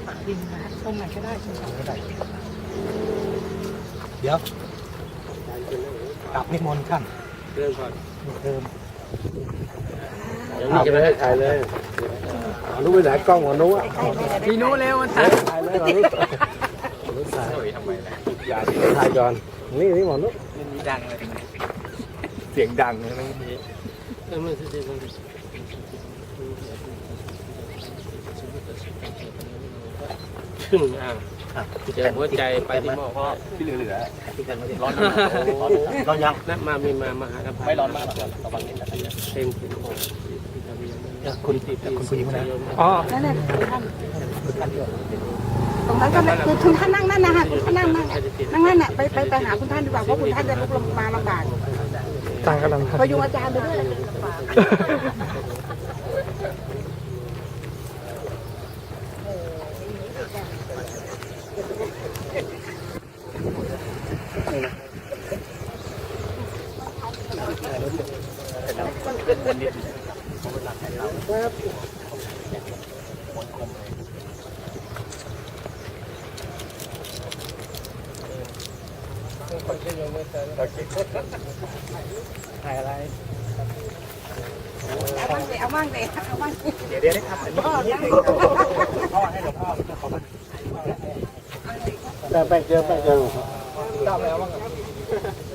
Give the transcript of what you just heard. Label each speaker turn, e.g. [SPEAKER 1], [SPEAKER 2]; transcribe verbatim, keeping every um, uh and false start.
[SPEAKER 1] ดินนะตรงไหนก็ได้ตรงไหนก็ได้
[SPEAKER 2] เดี๋ยวกลับนิมนต์ท่าน
[SPEAKER 3] เริ่มก่อน
[SPEAKER 2] เดิม
[SPEAKER 3] ยังนี่จะไม่ให้ถ่ายเลยหมอนุ้ไปไหนกล้องหมอนุ้อ่ะ
[SPEAKER 1] พี่นู้เร็วมันถ่าย
[SPEAKER 3] ถ่ายเลยหมอนุ้หมอนุ้ถ่ายทำไมล่ะอย่าถ่ายก่อนนี่นี่หมอนุ้
[SPEAKER 1] มีดังเลย
[SPEAKER 2] เสียงดังเลยนะนี้
[SPEAKER 3] เออมันจะเป็นขึ้นอ่ะเจอหัวใจไปที่หม้อพ่อ
[SPEAKER 2] ที่เหลือๆที่กันไม่ได้ร้อนร้
[SPEAKER 3] ร้อ
[SPEAKER 2] อนยัง
[SPEAKER 3] นั่นมามีมามาหากัน
[SPEAKER 2] ไม่ร้อนมากหรอกระวังนิดนะ
[SPEAKER 3] เต็มขึ้น
[SPEAKER 2] คุณคุณผู้หญิงคนนั้น
[SPEAKER 1] อ๋อนั่นแหละท่านตรงนั้นก็คือคุณท่านนั่งนั่นนะฮะคุณท่านนั่งนั่งนั่งนั่นน่ะไปไปไปหาคุณท่านดีกว่าเพราะคุณท่านจะลุกลงมาลำบาก
[SPEAKER 2] ต่างกันลำ
[SPEAKER 1] พยุงอาจารย์ไปด้วย
[SPEAKER 2] ถ่ายอะไร
[SPEAKER 1] เอาบ้างสิเอาบ้างสิเอาบ้างสิ
[SPEAKER 2] เดี๋ยวเดี๋ยวได้ครับพ่อพ่อให้หลวงพ่อเขามา
[SPEAKER 3] แต่แป้งเจอแป้งเจอ
[SPEAKER 2] ทราบแล้วว่า